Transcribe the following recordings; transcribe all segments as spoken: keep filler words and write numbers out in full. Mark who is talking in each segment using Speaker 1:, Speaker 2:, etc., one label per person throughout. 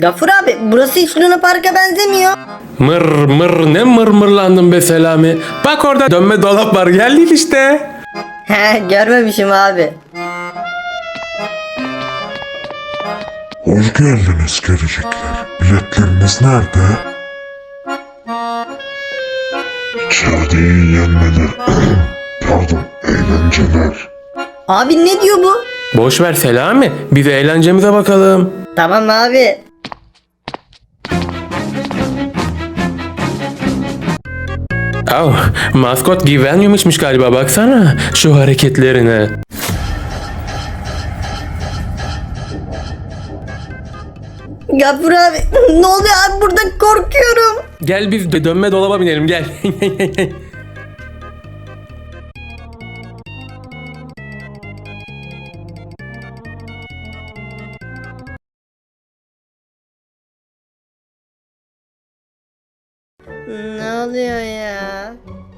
Speaker 1: Gafur abi, burası hiç Luna Park'a benzemiyor.
Speaker 2: Mır mır ne mırmırlandın be Selami. Bak orada dönme dolap var, geldik işte.
Speaker 1: He, görmemişim abi.
Speaker 3: Hoş geldiniz gelecekler. Biletleriniz nerede? İçeride iyi yenmeler. Pardon, eğlenceler.
Speaker 1: Abi ne diyor bu?
Speaker 2: Boş ver Selami, biz eğlencemize bakalım.
Speaker 1: Tamam abi.
Speaker 2: Oh, maskot güvenmiyormuş galiba, baksana şu hareketlerine.
Speaker 1: Gafur abi, ne oluyor abi, burada korkuyorum.
Speaker 2: Gel biz de dönme dolaba binelim, gel.
Speaker 1: Ne oluyor ya?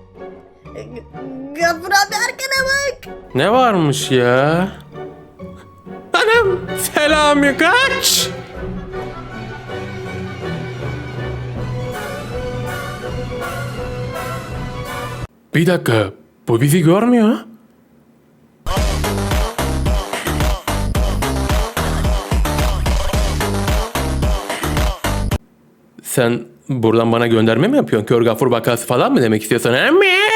Speaker 1: Gafur abi, arkana bak.
Speaker 2: Ne varmış ya? Anam, Selami kaç. Bir dakika, bu bizi görmüyor. Sen buradan bana gönderme mi yapıyorsun? Kör gafur vakası falan mı demek istiyorsun? He mi?